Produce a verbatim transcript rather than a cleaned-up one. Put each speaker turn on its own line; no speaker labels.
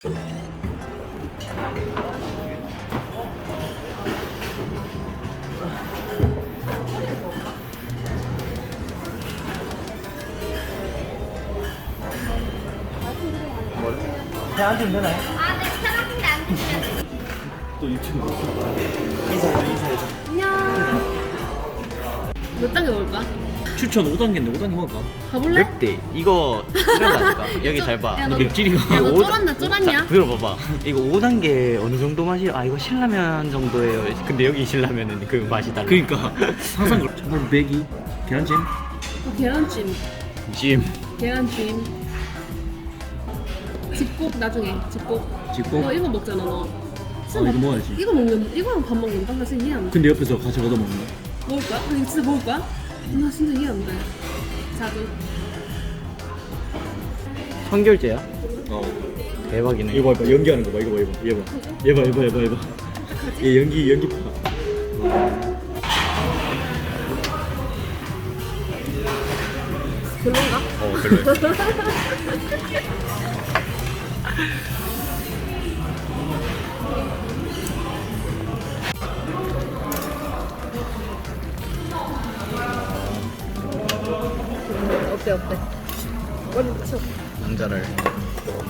배 안 주면 되나요?
아, 네, 편하신데 안 드시면.
또 유튜브 인사해줘 인사해줘.
안녕. 몇 단계 먹을까?
추천 오 단계인데 오 단계 먹을까?
가볼래?
맵대 이거 이런다니까 여기 잘 봐.
야, 너-
맵찔이가
야, 너
오-
쫄았나, 쫄았냐?
자, 들어봐봐. 이거 오 단계 어느 정도 맛이야? 아 이거 신라면 정도예요. 근데 여기 신라면은 그 맛이 달라.
그니까 항상 그래. 저번 맥이 계란찜
어, 계란찜.
찜.
계란찜. 집꼭 나중에, 집꼭.
찍고.
너 이거 먹잖아, 너.
아 이거 먹어야지.
이거 먹는, 이거랑 밥 먹는다? 나 진짜 이해 안 돼.
근데 옆에서 같이 얻어 먹는 거.
먹을 거야? 아니, 진짜 먹을 거야? 나 진짜 이해 안 돼. 자주.
선결제야?
어.
대박이네.
이거 봐, 연기하는 거 봐. 이거 봐, 이거. 얘 봐. 얘 봐, 얘 봐, 얘 봐, 얘 봐. 얘 연기, 연기 봐.
별론가?
어 별로야.
어때, 어때? 머리 붙여.
남자를